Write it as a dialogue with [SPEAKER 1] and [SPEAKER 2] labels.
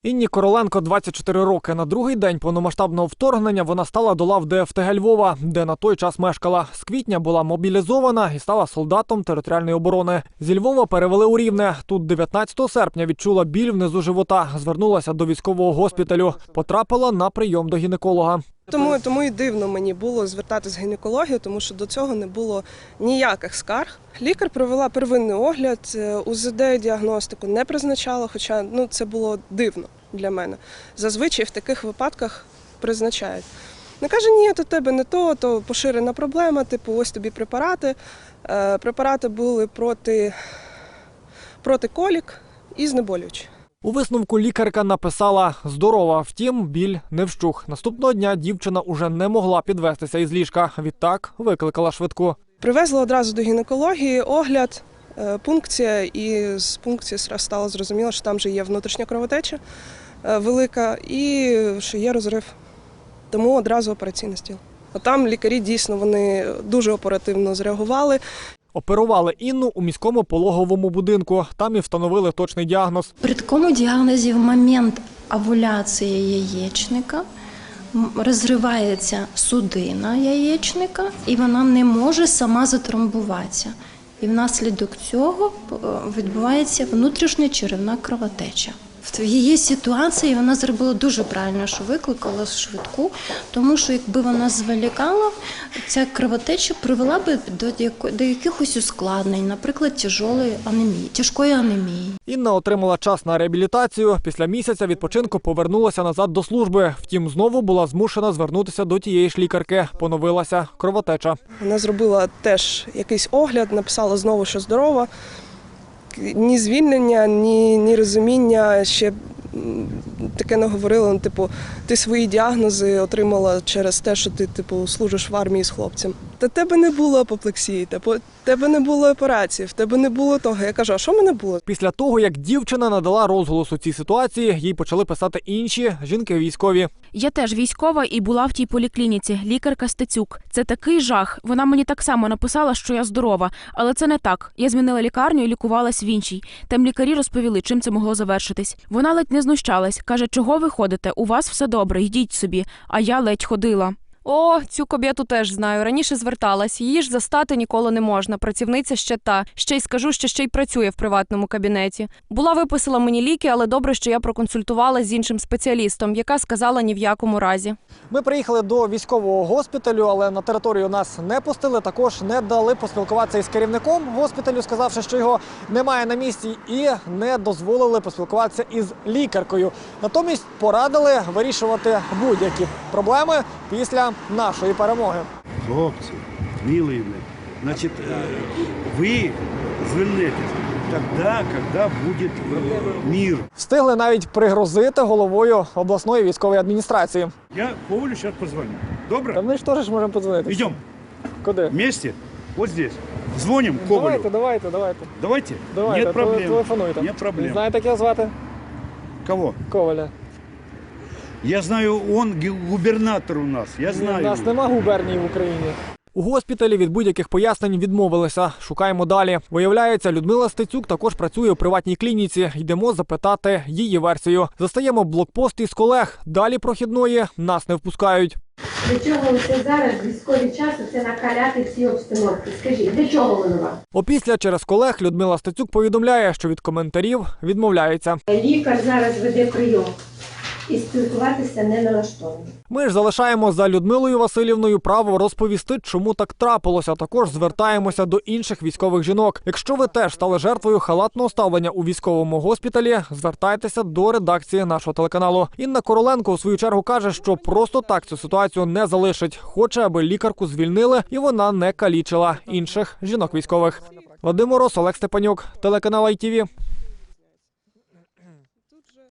[SPEAKER 1] Інні Короленко 24 роки. На другий день повномасштабного вторгнення вона стала до лав ДФТГ Львова, де на той час мешкала. З квітня була мобілізована і стала солдатом територіальної оборони. Зі Львова перевели у Рівне. Тут 19 серпня відчула біль внизу живота. Звернулася до військового госпіталю. Потрапила на прийом до гінеколога.
[SPEAKER 2] Тому і дивно мені було звертатись в гінекологію, тому що до цього не було ніяких скарг. Лікар провела первинний огляд, УЗД-діагностику не призначала, хоча це було дивно для мене. Зазвичай в таких випадках призначають. Не каже, ні, то тебе не то поширена проблема, ось тобі препарати. Препарати були проти колік і знеболюючі.
[SPEAKER 1] У висновку лікарка написала «здорова», втім, біль не вщух. Наступного дня дівчина уже не могла підвестися із ліжка. Відтак викликала швидку.
[SPEAKER 2] Привезли одразу до гінекології, огляд, пункція, і з пункції стало зрозуміло, що там вже є внутрішня кровотеча велика і що є розрив. Тому одразу операційний стіл. А там лікарі дійсно вони дуже оперативно зреагували.
[SPEAKER 1] Оперували Інну у міському пологовому будинку. Там і встановили точний діагноз.
[SPEAKER 3] При такому діагнозі в момент овуляції яєчника розривається судина яєчника і вона не може сама затромбуватися. І внаслідок цього відбувається внутрішня черевна кровотеча. В її ситуації вона зробила дуже правильно, що викликала швидку, тому що якби вона зволікала, ця кровотеча привела б до якихось ускладнень, наприклад, тяжкої анемії.
[SPEAKER 1] Інна отримала час на реабілітацію. Після місяця відпочинку повернулася назад до служби. Втім, знову була змушена звернутися до тієї ж лікарки. Поновилася кровотеча.
[SPEAKER 2] Вона зробила теж якийсь огляд, написала знову, що здорова. Ні звільнення, ні розуміння, ще таке не говорили, ти свої діагнози отримала через те, що ти служиш в армії з хлопцем. Та тебе не було апоплексії, тебе не було операції, в тебе не було того. Я кажу, а що в мене було?
[SPEAKER 1] Після того, як дівчина надала розголос у цій ситуації, їй почали писати інші жінки військові.
[SPEAKER 4] Я теж військова і була в тій поліклініці, лікарка Стецюк. Це такий жах. Вона мені так само написала, що я здорова. Але це не так. Я змінила лікарню і лікувалась в іншій. Там лікарі розповіли, чим це могло завершитись. Вона ледь не знущалась. Каже, чого ви ходите? У вас все добре, йдіть собі. А я ледь ходила.
[SPEAKER 5] О, цю кобєту теж знаю. Раніше зверталась. Її ж застати ніколи не можна. Працівниця ще та. Ще й скажу, що ще й працює в приватному кабінеті. Виписала мені ліки, але добре, що я проконсультувалася з іншим спеціалістом, яка сказала ні в якому разі.
[SPEAKER 1] Ми приїхали до військового госпіталю, але на територію нас не пустили. Також не дали поспілкуватися із керівником госпіталю, сказавши, що його немає на місці, і не дозволили поспілкуватися із лікаркою. Натомість порадили вирішувати будь-які проблеми після нашої перемоги.
[SPEAKER 6] Хлопці, милые, значит, ви звільнитесь тоді, коли буде мир.
[SPEAKER 1] Встигли навіть пригрозити головою обласної військової адміністрації.
[SPEAKER 6] Я Ковалю зараз позвоню. Добре?
[SPEAKER 1] Та ми ж теж можемо подзвонити.
[SPEAKER 6] Йдемо.
[SPEAKER 1] Куди?
[SPEAKER 6] Вместе? Вот здесь. Звоним Ковалю.
[SPEAKER 1] Давайте.
[SPEAKER 6] Давайте? Нет проблем.
[SPEAKER 1] Телефонуйте.
[SPEAKER 6] Нет проблем.
[SPEAKER 1] Знаєте, як його звати?
[SPEAKER 6] Кого?
[SPEAKER 1] Коваля.
[SPEAKER 6] Я знаю, он губернатор у нас. Я знаю.
[SPEAKER 1] У нас нема губернії в Україні. У госпіталі від будь-яких пояснень відмовилися. Шукаємо далі. Виявляється, Людмила Стецюк також працює у приватній клініці. Йдемо запитати її версію. Застаємо блокпост із колег. Далі прохідної нас не впускають.
[SPEAKER 7] Для чого це зараз, військовий час, це накаляти всі обстановки? Скажіть, для чого воно вам?
[SPEAKER 1] Опісля через колег Людмила Стецюк повідомляє, що від коментарів відмовляється.
[SPEAKER 7] Лікар зараз веде прийом. І спілкуватися не налаштовані.
[SPEAKER 1] Ми ж залишаємо за Людмилою Василівною право розповісти, чому так трапилося. Також звертаємося до інших військових жінок. Якщо ви теж стали жертвою халатного ставлення у військовому госпіталі, звертайтеся до редакції нашого телеканалу. Інна Короленко у свою чергу каже, що просто так цю ситуацію не залишить. Хоче, аби лікарку звільнили і вона не калічила інших жінок військових. Вадим Мороз, Олег Степанюк, телеканал ITV.